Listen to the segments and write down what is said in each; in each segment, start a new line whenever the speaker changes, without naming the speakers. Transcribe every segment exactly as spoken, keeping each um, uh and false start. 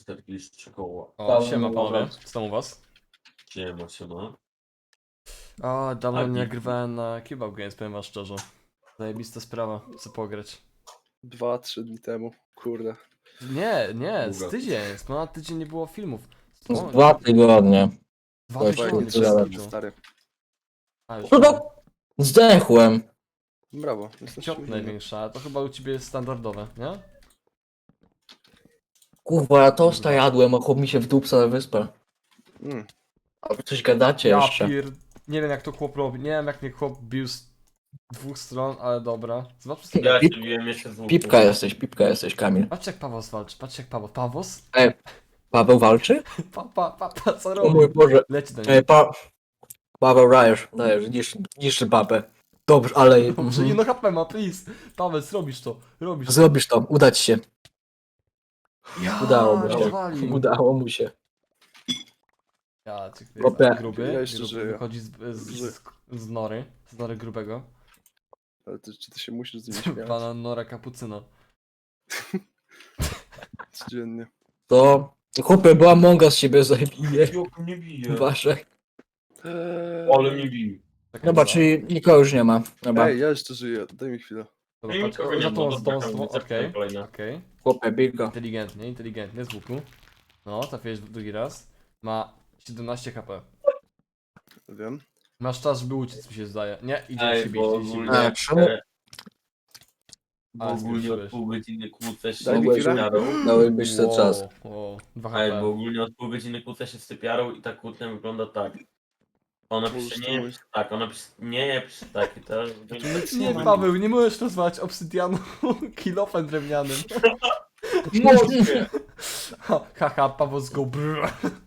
czterdzieści trzy koła.
O,
Tam,
siema panowie,
dobra.
co tam u was?
Siema, siema.
O, dawno
A,
nie
git.
nagrywałem na Kebab Games, powiem wam szczerze. Zajebista sprawa, chcę pograć.
Dwa, trzy dni temu, kurde.
Nie, nie, z
Długo.
tydzień, z ponad tydzień nie było filmów.
Z
O,
dwa tygodnie.
dwa
właśnie,
tygodnie,
tyle
bez
lat.
kitu.
Stary.
A, już
No to zdechłem.
Brawo. Jesteś
ciop największa, ale to chyba u ciebie jest standardowe, nie?
Kurwa, ja tosta jadłem, a chłop mi się wdupca na wyspę.
Mm.
A wy coś gadacie
Ja
jeszcze.
pier... Nie wiem jak to chłop robi, nie wiem jak mnie chłop bił z dwóch stron, ale dobra. Zobaczmy sobie.
Ja
Pip-
się biłem jeszcze z łuku.
Pipka jesteś, pipka jesteś, Kamil.
Patrz jak Pawos walczy, patrz jak Pawos. Pawos?
Paweł walczy?
Pa, pa, pa, pa, co
O
robi?
mój Boże.
Leci do niego.
Ej, pa... Paweł dajesz, dajesz, niszczy, niszczy babę. Dobrze, ale...
Dobrze,
mhm.
jedno H P ma, please. Paweł, zrobisz to, robisz to.
Zrobisz to, uda ci się.
Ja,
Udało mu się.
rozwalił.
Udało mu się.
Ja, cię
Chłopie.
gruby,
Ja jeszcze
gruby
żyję.
wychodzi z, z, z, z nory, z nory grubego.
Ale ty, czy ty się musisz z nimi śmiać?
Pana Nora Kapucyna.
Codziennie.
To... Chłopie, była monga z siebie zabije.
Jak mnie bije.
Wasze.
Eee...
Ale mnie bije.
Taka
Dobra,
była.
czyli nikogo już nie ma. Dobra.
Ej, ja jeszcze żyję, daj mi chwilę.
Dobra,
Nie,
patrz,
nikogo
o,
nie
za
ma,
tą,
dobra,
z tą, z tą,
kamień,
okej,
kolejna.
okej.
Chłopie, bijko.
Inteligentnie, inteligentnie, z łuku. No, trafiłeś w drugi raz. Ma siedemnaście H P.
Wiem.
Masz czas, żeby uciec, mi się zdaje. Nie, idzie
Ej,
się bić,
bo
idzie się bić.
ogólnie...
A, czemu?
e, Bo
Ale
ogólnie od
spieszyłeś.
pół godziny kłócę się
Daj mi
z
chwilę.
sypiarą.
Dałeś ten czas.
Wow, dwa
Ej,
H
bo
P.
ogólnie od pół godziny kłócę się z sypiarą i ta kłótnia wygląda tak. Ona
Możesz
pisze
to
nie,
mówić.
pisze tak, ona pisze nie, pisze tak i to...
Nie, Paweł, nie możesz rozwać obsydianu kilofem drewnianym.
Mogę!
Ha, Haha, Paweł z go brrr.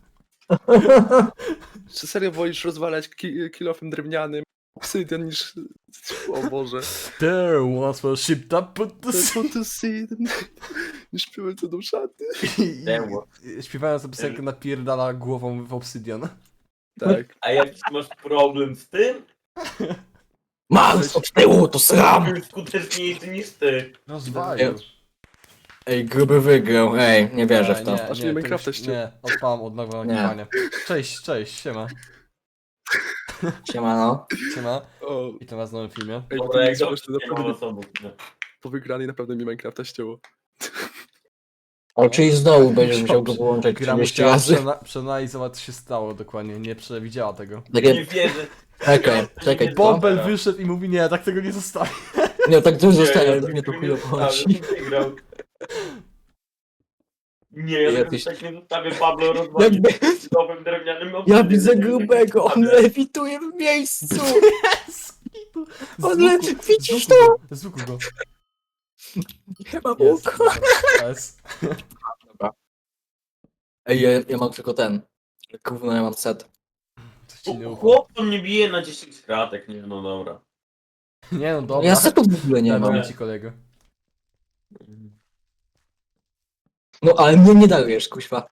Czy serio wolisz rozwalać ki kilofem drewnianym obsydian niż... O Boże.
There once was a ship that put the
To
sea.
to see... Niż piłem co do szaty.
I-
There
i- Śpiewając tę piosenkę napierdala głową w obsydian.
Tak.
A jak masz problem z tym,
Mam od tyłu, to sram!
to skuteczniejszy niż ty.
Rozwalił.
Ej, gruby wygrał, ej, nie wierzę w to.
Nie,
Aż
nie,
mnie
to
Minecrafta
już-
ściął.
Nie, odpalam od nowego
Nie.
nagrywania. Cześć, cześć, siema.
Siemano.
Siema.
O,
I to was w nowym filmie.
ej,
Dobra,
to
jak
jest
dobrze,
właśnie
nie ma
naprawdę
osobów. nie.
po wygranej naprawdę mi Minecrafta ścięło.
O, czyli znowu będziesz musiał go połączyć
Gra
trzydzieści
musiała
razy.
przena- przeanalizować, co się stało dokładnie, nie przewidziała tego.
Nie
Takie,
wierzę.
czekaj, czekaj, co?
Bąbel wyszedł i mówi, nie, tak tego nie zostawi.
Nie, tak to
Nie,
zostaje,
ja
mnie to
tego
chujo
nie
chodzi.
zostawię, wygrał. Nie, ja
Jakiś-
Jakiś... tak nie zostawię Pablo rozwalić
Jakby,
nowym drewnianym
ja
obsydianem.
widzę grubego, on lewituje w miejscu!
Z
On
łuku-
leży, widzisz
z łuku
to?
go, Z łuku go.
Nie ma
Jest,
łuku.
dobra, jest.
Ej, ja, ja mam tylko ten. Gówno, ja mam set.
Coś ci nie ufa.
Chłop to mnie bije na dziesięć kratek, nie no dobra.
Nie no,
No
dobra.
ja setu w ogóle nie mam.
Daruję ci kolego.
No ale mnie nie darujesz, kuźwa.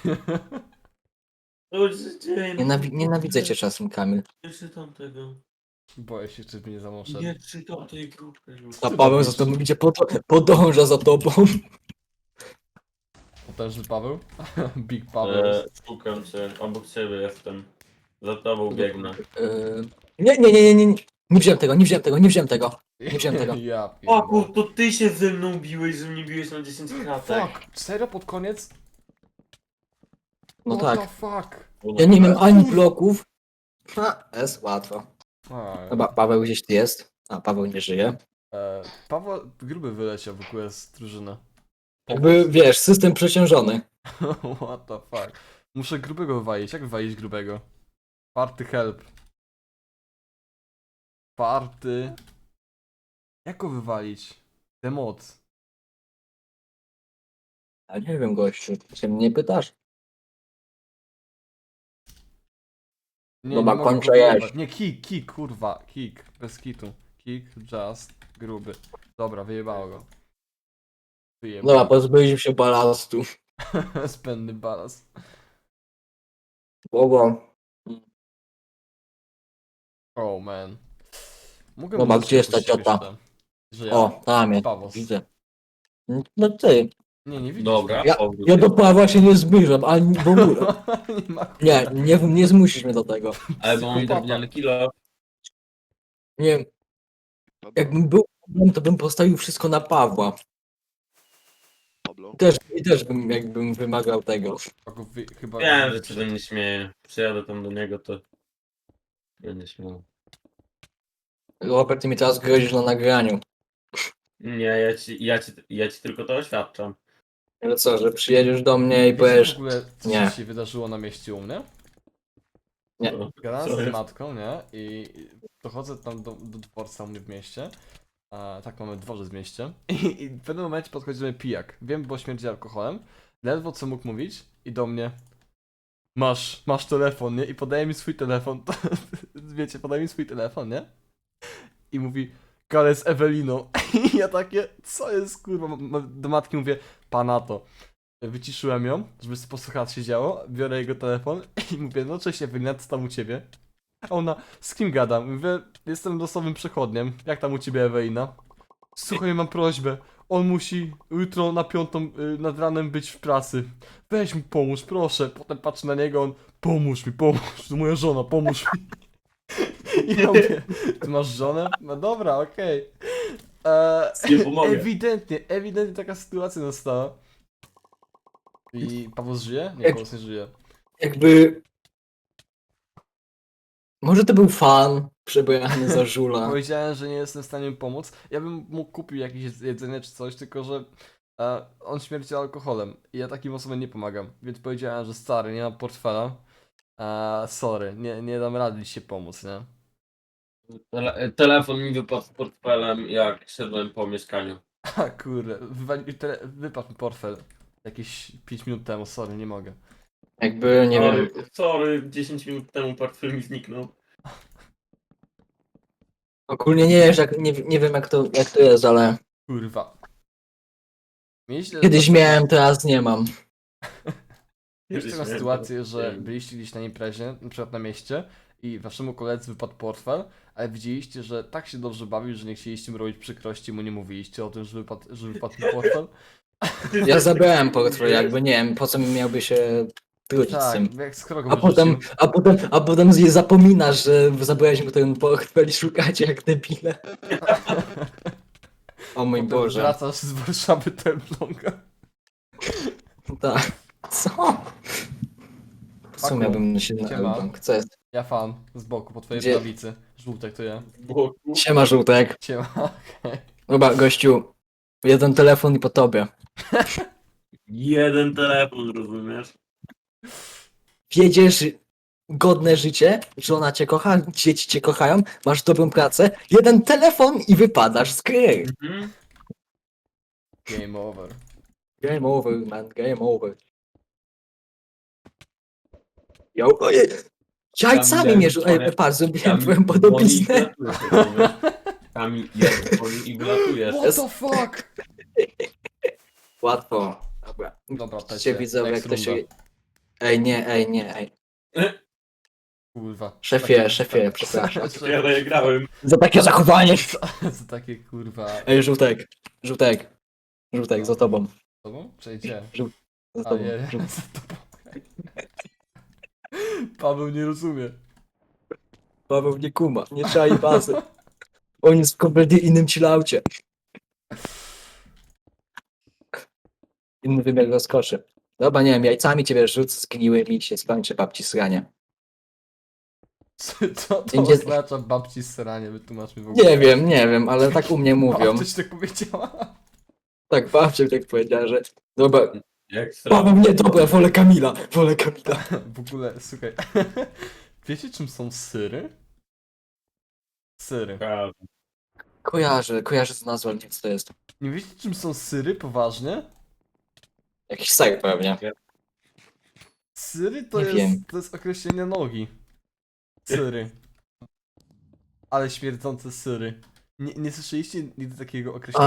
To się dzieje, no.
Nienawi nienawidzę cię czasem, Kamil.
Nie czytam tego.
Boję się, czy mnie zamoszę.
Nie czytam tej grupy już.
A Paweł za tobą idzie, pod podąża za tobą.
Potężny Paweł? Big Paweł.
E, szukam cię, obok ciebie jestem. Za tobą biegnę.
Yy... Nie, nie, nie, nie, nie, nie. Nie wziąłem tego, nie wziąłem tego, nie wziąłem tego. Nie wziąłem tego.
Ja
O
pierdolę.
kur, to ty się ze mną biłeś, że mnie biłeś na dziesięć kratek.
Fuck, serio pod koniec?
No
What
tak.
the fuck?
Ja nie mam ani bloków. Ha, jest łatwo.
A,
Chyba Paweł gdzieś tu jest. A, Paweł nie żyje.
e, Paweł gruby wyleciał w ogóle z drużyny.
Jakby, wiesz, system przeciążony.
What the fuck? Muszę grubego wywalić. Jak wywalić grubego? Party help. Party. Jak go wywalić? Demot.
A nie wiem, gościu, się mnie pytasz.
Nie,
Dobra,
nie mogę
kończę
go
jeść.
wyjebać. Nie, kick, kick, kurwa. Kick. Bez kitu. Kick, just, gruby. Dobra, wyjebało go. Wyjebało.
Dobra, pozbyliśmy się balastu.
Spędny balans.
Bogo.
Oh man. Mogę
Dobra,
muzyczkę
gdzie jest ta
puścić
ciota?
jeszcze, że ja?
O, tam jest,
Pawos.
widzę. No ty.
Nie, nie widzisz.
Dobra,
Ja,
powrót.
ja do Pawła się nie zbliżam, ani w ogóle.
nie ma
Nie, nie, nie zmusisz mnie do tego.
Ale bo mam drewniany kilo.
Nie wiem,
Pablo,
jakbym był problem, to bym postawił wszystko na Pawła.
Pablo,
Też, I też bym jakbym wymagał tego.
Pago, wy, chyba...
Wiem, że się ze mnie śmieje. Przyjadę tam do niego, to będzie śmiał.
Robert, ty mi teraz grozisz na nagraniu.
Nie, ja ci, ja ci, ja ci tylko to oświadczam.
Ale co, że przyjedziesz do mnie i
Wiecie
powiesz...
w ogóle, co
Nie.
się wydarzyło na mieście u mnie?
Nie.
No,
Gadałem
co
z
jest?
matką, nie? I dochodzę tam do, do dworca u mnie w mieście. A, tak, mamy dworzec w mieście. I, I w pewnym momencie podchodzi do mnie pijak. Wiem, bo śmierdzi alkoholem. Ledwo co mógł mówić. I do mnie... Masz, masz telefon, nie? I podaje mi swój telefon. To, wiecie, podaje mi swój telefon, nie? I mówi... Gale z Eweliną. I ja takie... Co jest, kurwa? Ma- ma- Do matki mówię... Pana to. Wyciszyłem ją, żeby sobie posłuchać się działo, biorę jego telefon i mówię, no cześć Ewelina, co tam u ciebie? A ona, z kim gadam? Mówię, jestem losowym przechodniem, jak tam u ciebie Ewelina? Słuchaj, mam prośbę, on musi jutro na piątą y, nad ranem być w pracy. Weź mi pomóż, proszę. Potem patrzę na niego, on, pomóż mi, pomóż, to moja żona, pomóż mi. I ja mówię, ty masz żonę? No dobra, okej.
Nie
Eee,
pomogę.
Ewidentnie, ewidentnie taka sytuacja nastała. I Paweł żyje? Nie,
Jak-
Paweł nie żyje.
Jakby... Może to był fan przebrany za żula.
Powiedziałem, że nie jestem w stanie mu pomóc. Ja bym mógł kupić jakieś jedzenie czy coś, tylko że e, on śmierci alkoholem i ja takim osobom nie pomagam. Więc powiedziałem, że stary, nie mam portfela. E, sorry, nie, nie dam rady ci się pomóc, nie?
Tele telefon mi wypadł z portfelem, jak szedłem po mieszkaniu.
A kurde, wywali- tele- wypadł mi portfel jakieś pięć minut temu, sorry, nie mogę.
Jakby, nie wiem...
sorry, sorry, dziesięć minut temu portfel mi zniknął.
Ogólnie nie, wiesz, jak, nie, nie wiem jak to, jak to jest, ale...
Kurwa. Mieliście
Kiedyś miałem, teraz nie mam.
Mieliście taką
Kiedyś
sytuację,
miałem,
że
teraz nie wiem.
byliście gdzieś na imprezie, na przykład na mieście i waszemu koledze wypadł portfel, ale widzieliście, że tak się dobrze bawił, że nie chcieliście mu robić przykrości, mu nie mówiliście o tym, że wypadł, że wypadł mu portfel.
Ja zabrałem portfel, jakby nie wiem, po co mi miałby się trudzić z tym.
Tak, jak z krogą
A potem,
wyrzucił.
a potem, a potem z- zapominasz, że zabrałeś mu ten portfel i szukacie jak debile. O mój
Potem
Boże.
wracasz z Warszawy Templonga.
Tak. Co? Co
Paku,
miałbym się na
siema.
bank? Co jest?
Ja fan, z boku, po twojej
Gdzie?
prawicy. Żółtek to ja.
Boku.
Siema żółtek.
Siema, okej.
Dobra, gościu. Jeden telefon i po tobie.
Jeden telefon, rozumiesz?
Wiedziesz godne życie, żona cię kocha, dzieci cię kochają, masz dobrą pracę, jeden telefon i wypadasz z gry.
Mhm.
Game over.
Game over, man, game over. Yo, ojej. Jajcami
miałem
mnie rzucają,
parę-
patrz, zrobiłem
Tam
twoją podobiznę.
dzwoni i wylatujesz, rozumiesz? Tam jest dzwoni i wylatujesz.
What the fuck?
Łatwo. Dobra.
Dobra,
Cię
pecie,
widzę, jak
next
to się...
runda.
Ej, nie, ej, nie, ej.
Kurwa.
Szefie,
Takie-
szefie,
tak-
przepraszam.
Ja daję grałem.
Za takie zachowanie!
Za takie kurwa...
Ej, żółtek, żółtek, żółtek, za tobą,
Z tobą? Czy gdzie?
za
A
tobą.
nie,
żółtek.
za tobą. Paweł nie rozumie.
Paweł nie kuma, nie czai bazy. On jest w kompletnie innym chillaucie. Inny wymiar rozkoszy. Dobra, nie wiem, jajcami ciebie rzucę, zgniłymi i się skończy babci sranie.
Co co to
Będzie-
oznacza babci sranie? Wytłumacz mi w ogóle.
Nie wiem, nie wiem, ale tak u mnie mówią.
Babcia ci tak powiedziała?
Tak, babcia mi tak powiedziała, że... Dobra,
Jak sra...
Paweł nie, dobra, wolę Kamila, wolę Kamila.
W ogóle, słuchaj. Wiecie czym są syry? Syry.
Kojarzę, kojarzę z nazwą, nie wiem co to jest.
Nie wiecie czym są syry? Poważnie?
Jakiś ser pewnie.
Syry to
Nie
jest,
wiem.
to jest określenie nogi. Syry. Ale śmierdzące syry. Nie, nie słyszeliście nigdy takiego określenia?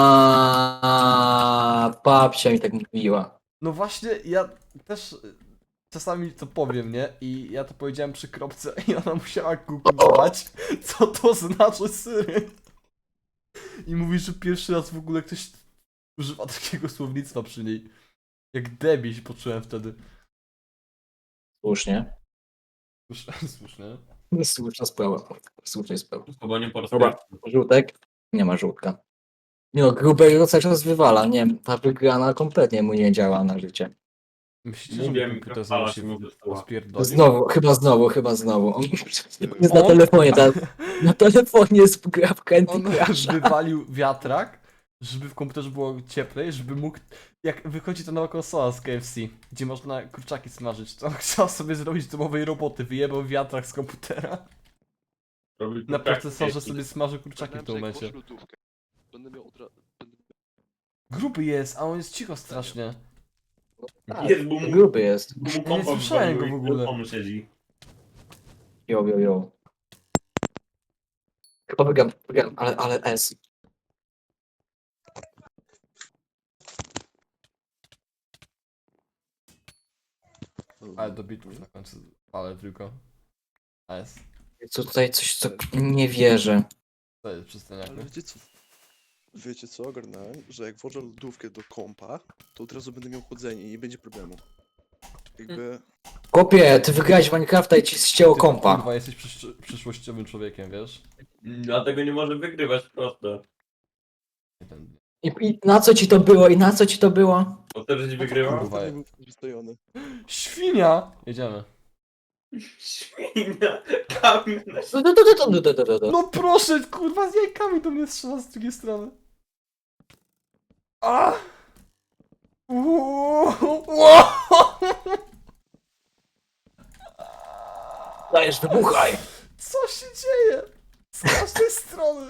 A, babcia mi tak mówiła.
No właśnie, ja też y, czasami to powiem, nie? I ja to powiedziałem przy kropce i ona musiała googlować, co to znaczy syry. I mówi, że pierwszy raz w ogóle ktoś używa takiego słownictwa przy niej. Jak debil się poczułem wtedy.
Słusznie.
Słusz- Słusznie.
Słuszna sprawa. Słuszna sprawa.
Chyba nie po
Dobra. Żółtek? Nie ma żółtka. Nie no, grubego cały czas wywala. Nie wiem, ta wygrana kompletnie mu nie działa na życie.
Myślicie, że
Mówię,
mi komputer
mikrofala
znowu
się
się
mówi, że to-
rozpierdolił?
Znowu, chyba znowu, chyba znowu. On jest na
On-
telefonie, ta, na telefonie jest gra w Candy
On
Crusha.
wywalił wiatrak, żeby w komputerze było cieplej, żeby mógł... Jak wychodzi ta nowa konsola z K F C, gdzie można kurczaki smażyć, to on chciał sobie zrobić domowej roboty, wyjebał wiatrak z komputera.
Robi
Na
tak,
procesorze
jak-
sobie smażył kurczaki w tym
Ogarnąłem, że jak
momencie.
włożę lodówkę, Będę miał od razu... Będę...
Gruby jest, a on jest cicho strasznie.
Tak,
Jest, bo mu,
gruby jest.
bo mu
nie
kompa
słyszałem go
wywaliło
w
i
ogóle.
telefonu siedzi.
Jo, jo, jo. Chyba wygram, wygram, ale, ale S.
Ale do bitów na końcu, ale tylko. A jest.
Co tutaj coś, co nie wierzę.
To jest przystaniak.
Ale wiecie co? Wiecie co, ogarnąłem, że jak włożę lodówkę do kompa, to od razu będę miał chłodzenie i nie będzie problemu. Jakby...
Kopie, ty wygrałeś w Minecrafta i ci ścięło
Ty,
kompa.
Kurwa, jesteś przysz przyszłościowym człowiekiem, wiesz?
Dlatego nie może wygrywać prosto.
Jeden.
I, I na co ci to było? I na co ci to było?
Bo wtedy ci wygrywa.
Kurwa.
nie był przystojony.
Świnia! Jedziemy.
Świnia, kamień na
Du- du- du- du- du- du- du- du- du.
No proszę, kurwa, z jajkami do mnie strzela z drugiej strony. A! Uuu, uuu.
Dajesz, wybuchaj!
Co się dzieje? Z każdej strony.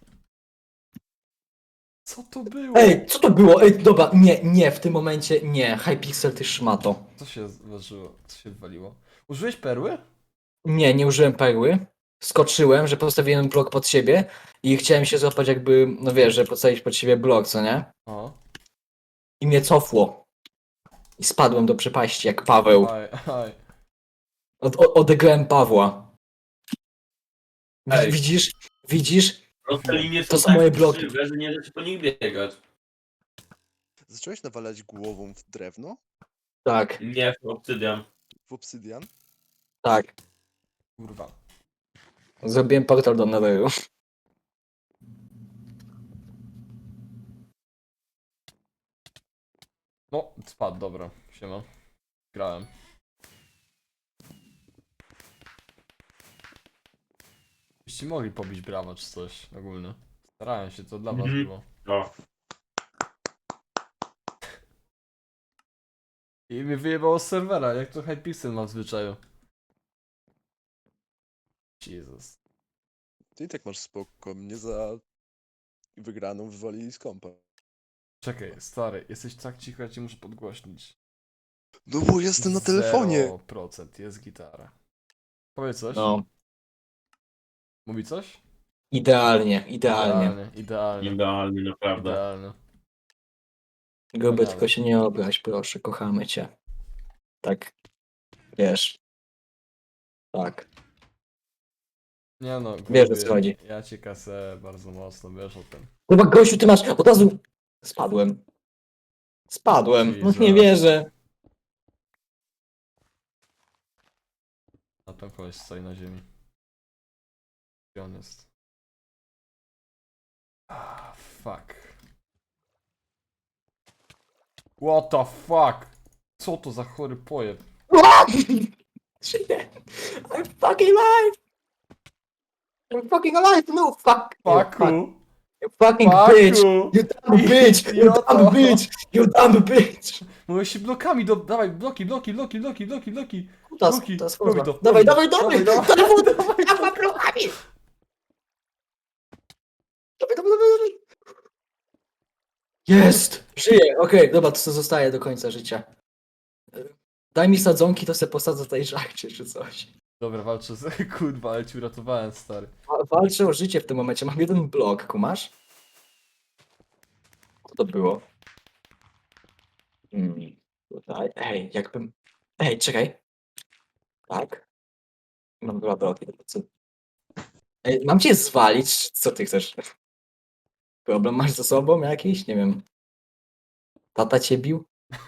Co to było?
Ej, co to było? Ej, dobra, nie, nie, w tym momencie nie. Hypixel, ty szmato.
Co się zdarzyło? Co się odwaliło? Użyłeś perły?
Nie, nie użyłem perły. Skoczyłem, że postawiłem blok pod siebie i chciałem się złapać jakby, no wiesz, że postawić pod siebie blok, co nie?
O.
I mnie cofło. I spadłem do przepaści jak Paweł.
Aj, aj.
Od, o, odegrałem Pawła. Wi-
Ej.
Widzisz? Widzisz?
Proste linie są
To są
tak
moje bloki.
krzywe, że nie da się po nich biegać.
Zacząłeś nawalać głową w drewno?
Tak,
Nie, w obsydian.
W obsydian?
tak.
Kurwa.
Zrobiłem portal do Netheru.
No, spadł, dobra. Siema. Grałem. Byście mogli pobić brawa czy coś ogólnie. Starałem się, to dla was
Mhm.
było.
O,
I mnie wyjebało z serwera, jak to Hypixel ma w zwyczaju. Jezus.
Ty i tak masz spoko, mnie za wygraną wywalili z kompa.
Czekaj, stary, jesteś tak cicho, ja cię muszę podgłośnić.
No bo jestem na telefonie!
zero procent jest gitara. Powiedz coś?
No,
Mówi coś?
idealnie, idealnie.
Idealnie, idealnie.
idealnie, naprawdę.
Idealnie.
Gruby,
Wspaniale.
tylko się nie obraź, proszę, kochamy cię. Tak, wiesz. Tak.
Nie no,
Wiesz, o
gruby,
co chodzi.
ja cię kasę bardzo mocno, wiesz o tym.
Chyba gościu, ty masz od razu... Spadłem. Spadłem, no nie
Jesus.
wierzę.
A tam koleś stoi na ziemi. Gdzie on jest? Ah, fuck. What the fuck? Co to za chory pojeb?
Żyję. I'm fucking alive! I'm fucking alive, no fuck! You fuck-
Fucku!
You fucking bitch!
Fucku!
You dumb bitch! You
Idioto.
dumb bitch! You dumb bitch!
Mówię się blokami do... Dawaj, bloki, bloki, bloki, bloki, bloki, bloki!
Kutas,
Bloki,
kutas,
robi
kurwa.
to,
Dawaj,
robi
dawaj,
to.
dawaj!
Dawaj,
Dawaj,
dawaj,
dawaj, blokami! Dawaj, dawaj, dawaj, dawaj! Jest! Żyję, okej, dobra, to co zostaje do końca życia. Daj mi sadzonki, to se posadzę tutaj żarcie czy coś.
Dobra, walczę z... Kurwa, ale ci uratowałem, stary.
Wa- Walczę o życie w tym momencie, mam jeden blok, kumasz? Co to było? Hmm, tutaj, ej, jakbym... Ej, czekaj. Tak? Mam dwa bloki, to co? Ej, mam cię zwalić, czy co ty chcesz? Problem masz ze sobą jakiś? Nie wiem. Tata cię bił?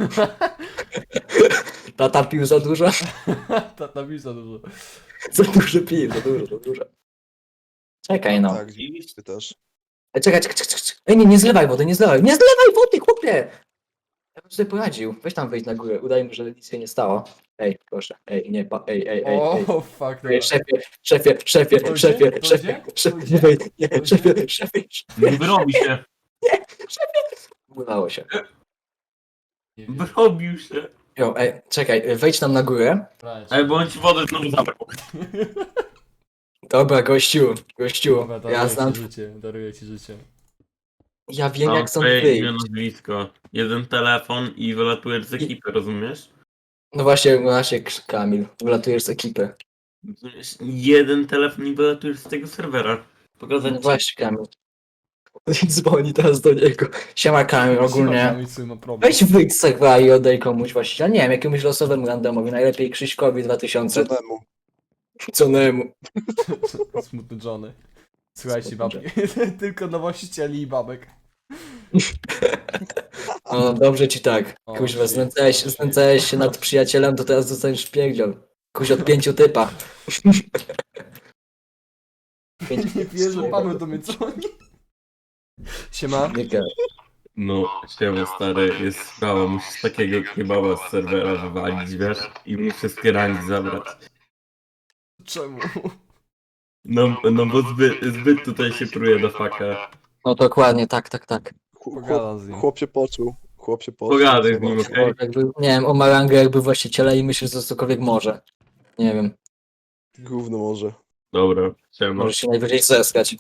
Tata pił za dużo?
Tata mi za dużo.
Za dużo pił, za dużo, za dużo. Czekaj no.
Tak, ty też.
Ej, czekaj, czekaj, czekaj, czekaj. Ej, nie, nie zlewaj wody, nie zlewaj. Nie zlewaj wody, chłopie! Ja bym sobie poradził. Weź tam wejść na górę, udajmy, że nic się nie stało. Ej, proszę, ej, nie, pa, ej, ej, ej, ej.
O, fuck,
Ej,
dobra.
szefie, szefie, szefie,
Dojdzie?
szefie,
Dojdzie?
szefie, szefie,
Dojdzie?
nie wejdź, nie,
Dojdzie?
szefie, szefie, szefie.
Wyrobi się.
Udało się.
Nie wiem.
Wyrobił się.
Jo, ej, czekaj, wejdź tam na górę.
Brać.
Ej, bo on ci wodę znowu zabrał.
Dobra, gościu, gościu,
Dobra,
ja
daruję
znam,
ci życie, daruję ci życie.
ja wiem
Mam
jak stąd
twoje imię,
wyjść.
nazwisko. Jeden telefon i wylatujesz z ekipy, rozumiesz?
No właśnie, właśnie, Kamil, wylatujesz z ekipy.
Rozumiesz? Jeden telefon i wylatujesz z tego serwera. Pokazać
No
ci.
właśnie, Kamil. Dzwoni teraz do niego. Siema Kamil, ogólnie.
Kamil swój ma problem.
Weź wyjdź z serwera i oddaj komuś właściciela. Nie wiem, jakiemuś losowemu randomowi. Najlepiej Krzyśkowi dwa tysiące.
Cenemu.
Conemu.
Smutny Johnny. Słuchajcie, babki. Tylko dla właścicieli i babek.
No dobrze ci tak.
O,
Kuźwa,
shit,
znęcałeś,
o,
znęcałeś się nad przyjacielem, to teraz dostaniesz wpierdziel. Kuź od pięciu typa. Pięć...
Nie wierzę, Paweł do mnie dzwoni. Siema.
Nie gadaj.
No, siema stary, jest sprawa, musisz takiego kebaba z serwera wywalić, wiesz? I mu wszystkie rangi zabrać.
Czemu?
No, no bo zbyt, zbyt tutaj się pruje do faka.
No dokładnie, tak, tak, tak.
Chłop,
Pogadam z nim.
chłop się poczuł. Chłop się poczuł.
Pogadaj z nim,
Zobacz.
okej?
Jakby, nie wiem, o Marangę jakby właściciela i myślisz, że cokolwiek może. Nie wiem,
Gówno może.
Dobra, siema.
może się najwyżej zeskać.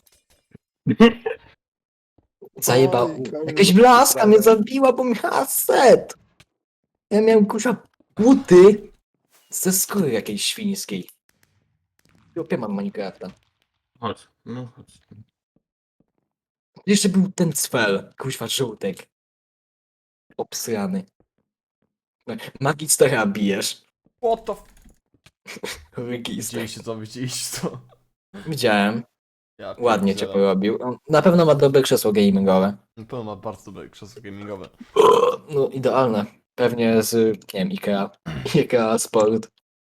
Zajebał.
Oj, Kamil,
Jakaś blaska mnie zabiła, bo miała set. Ja miałem kurwa buty ze skóry jakiejś świńskiej. Opie mam Minecrafta.
Chodź, no chodź.
Jeszcze był ten cfel, kuźwa żółtek. Obsrany. Magistera bijesz.
What the f...
Register.
Widzieliście co, widzieliście co?
Widziałem.
Ja
Ładnie cię
pierdzielę.
porobił. On na pewno ma dobre krzesło gamingowe.
Na pewno ma bardzo dobre krzesło gamingowe.
No idealne. Pewnie z, nie wiem, Ikea. Ikea Sport.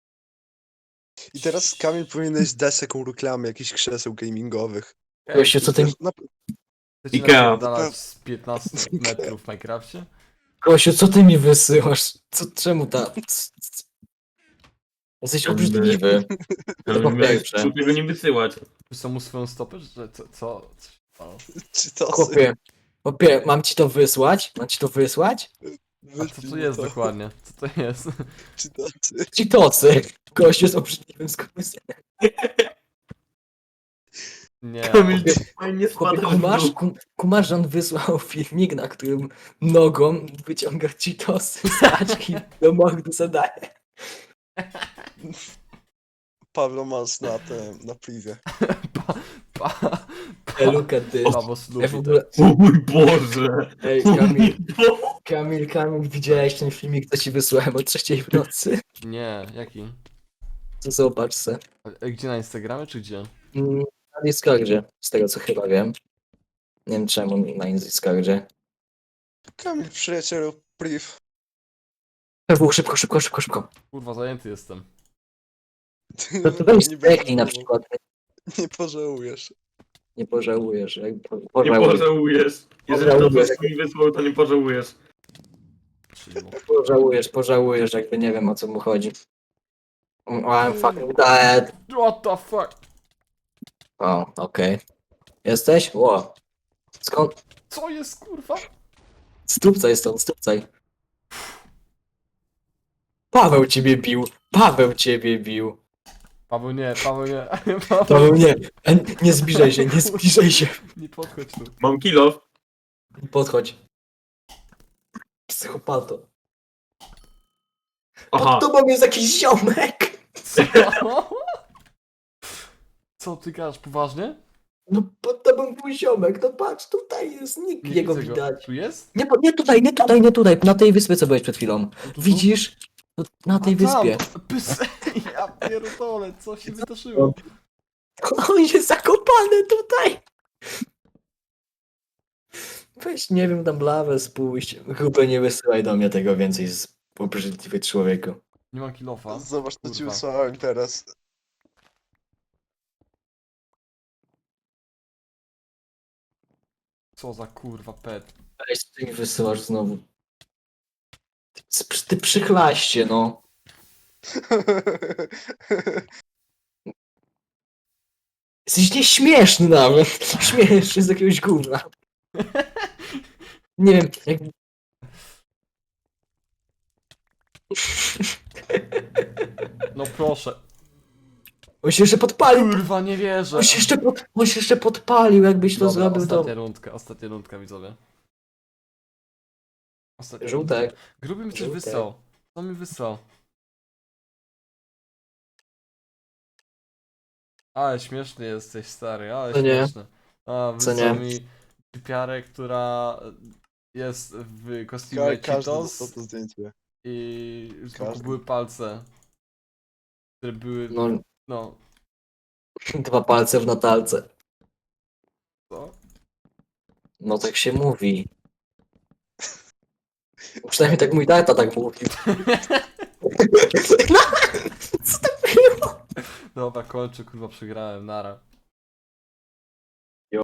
I teraz Kamil powinieneś dać taką reklamę jakichś krzeseł gamingowych.
Gościu, co ty,
Na,
Chcecie
Ikea.
napierdalać z piętnastu metrów w Minecrafcie?
Gościu, co ty mi wysyłasz? Co, czemu ta... c- c- Jesteś obrzydliwy.
Ale
po
miałeś
pierwsze.
tego nie wysyłać.
Wysłał mu swoją stopę, że co? co? co się stało?
czy to
Chłopie, chłopie, mam ci to wysłać? Mam ci to wysłać?
A co to jest dokładnie? Co to jest?
Czy to
Ci tocy. Gościu jest obrzydliwym skurwysynem.
Nie.
Kamil, nie
Chłopie,
spadał w
kumasz,
dół.
kum, kumasz, że on wysłał filmik, na którym nogą wyciąga ci tosy z paczki do mordu zadaje.
Pawlo Mas na tym, na privie.
Pa, pa,
Hey, look at this.
Paweł
Ja
Slupi,
w ogóle...
O mój Boże!
Ej,
O mój
Kamil,
Boże!
Kamil, Kamil, widziałeś ten filmik, co ci wysłałem o trzeciej w nocy?
tak. Nie, jaki?
To zobacz se.
A- a Gdzie, na Instagramie czy gdzie?
Mm, Na Discordzie, z tego co chyba wiem. Nie wiem czemu na Discordzie.
Kamil, przyjacielu, priv.
Pewnie, szybko, szybko, szybko, szybko.
Kurwa, zajęty jestem.
Ty
To, to weź
nie
zdechnij na
będziesz-
przykład.
Nie pożałujesz.
Nie pożałujesz. Jak po,
Nie
pożałujesz.
pożałujesz. Jeżeli to
Pożałujesz.
coś mi wysłał, to nie pożałujesz.
Czyli mo-
Pożałujesz, pożałujesz, jakby nie wiem o co mu chodzi. Oh, I'm fucking dead.
What the fuck?
O, okej. Jesteś? Ło. Skąd?
Co jest kurwa?
Stupcaj stąd, stupcaj. Paweł ciebie bił. Paweł ciebie bił.
Paweł nie, Paweł nie. Paweł,
Paweł nie. E, Nie zbliżaj się, nie zbliżaj się.
nie podchodź tu.
Mam kilo.
Podchodź. Psychopato.
Aha.
Pod tobą jest jakiś ziomek.
Co? Co ty gadasz, poważnie?
No pod tobą był ziomek. No patrz, tutaj jest nick
Nie
jego
widzę go.
widać.
Tu jest?
Nie, po- nie tutaj, nie tutaj, nie tutaj. Na tej wyspie, co byłeś przed chwilą. Widzisz? No, Na tej
A tam,
wyspie.
Pys... Ja pierdolę, co się wydarzyło?
On jest zakopany tutaj. Weź, nie wiem, tam lawę spuść. Chyba nie wysyłaj do mnie tego więcej z obrzydliwy człowieku.
Nie mam kilofa.
Zobacz, co ci
Kurwa.
wysłałem teraz.
Co za kurwa pet.
Weź, ty mi wysyłasz znowu. Ty, ty przychlaście, no. Jesteś nieśmieszny nawet. Śmieszny z jakiegoś gówna. Nie wiem, jak...
No proszę.
On się jeszcze podpalił.
Kurwa, nie wierzę.
On się jeszcze, pod... On się jeszcze podpalił, jakbyś to
Dobra,
zrobił, to...
ostatnia rundka, ostatnia rundka, widzowie. Ostatnia
Żółtek.
rundka. Gruby mi coś
Żółtek.
wysłał. Co mi wysłał? Ale śmieszny jesteś, stary, ale
Co nie?
śmieszny. A,
Co
wysłał
nie?
mi typiarę, która jest w
Ka
kostiumie
każdy dostał
Cheetos
to zdjęcie.
i z boku
Każdy.
były palce. Które były,
No,
no,
dwa palce w natalce.
co?
No tak się mówi. Przynajmniej tak mój tata tak mówił. Co to było?
Dobra, kończę, kurwa, przegrałem, nara.